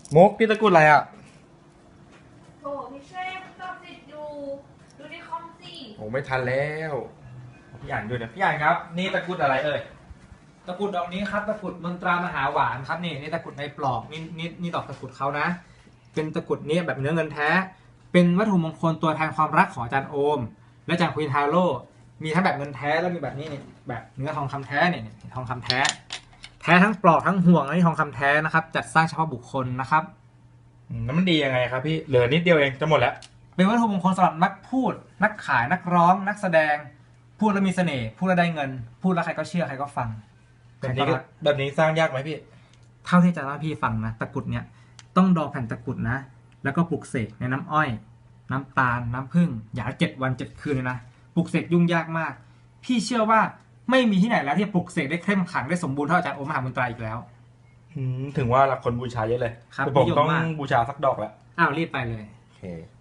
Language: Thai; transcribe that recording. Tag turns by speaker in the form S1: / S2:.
S1: มุกพี่ตะกรุดอะไรอ่ะ
S2: โถพี่เช่มันตอบติดอยู่ดูในคอมสิ
S1: โอ้ไม่ทันแล้วพี่อ่านด้วยนะพี่อ่านครับนี่ตะกรุดอะไรเอ่ย
S3: ตะกรุดดอกนี้ครับตะกรุดมนตรามหาหวานครับนี่ตะกรุดในปลอกนี่ดอกตะกรุดเขานะเป็นตะกรุดนี้แบบเนื้อเงินแท้ เป็นวัตถุมงคลตัวแทนความรักของอาจารย์โอม และอาจารย์ควีนทาโร่มีทั้งแบบเงินแท้แล้วมีแบบนี้นี่แบบเนื้อทองคำแท้เนี่ยทองคำแท้แท้ทั้งปลอกทั้งห่วงและนี่ทองคำแท้นะครับจัดสร้างเฉพาะบุคคลนะครับ
S1: แล้วมันดียังไงครับพี่เหลือนิดเดียวเองจะหมดแล้ว
S3: เป็นวัตถุมงคลสำหรับนักพูดนักขายนักร้องนักแสดงพูดแล้วมีเสน่ห์พูดแล้วได้เงิน พูดแล้วใครก็เชื่อใครก็ฟัง
S1: แบบนี้ก็แบบนี้สร้างยากไหมพี่
S3: เท่าที่จะเล่าพี่ฟังนะตะกรุดเนี่ยต้องดองแผ่นตะกรุดนะแล้วก็ปลุกเสกในน้ำอ้อยน้ำตาลน้ำผึ้งอย่างละ7 วัน 7 คืนเลยนะปลุกเสกยุ่งยากมากพี่เชื่อว่าไม่มีที่ไหนแล้วที่ปลุกเสกได้เข้มขลังได้สมบูรณ์เท่าอาจารย์โอมหาบุญตราอีกแล้ว
S1: ถึงว่าคนบูชาเยอะเลย
S3: ครับ
S1: แต่ผมต้อง
S3: นิยมมาก
S1: บูชาสักดอกแล้ว
S3: อ้าวรีบไปเลย
S1: โอเค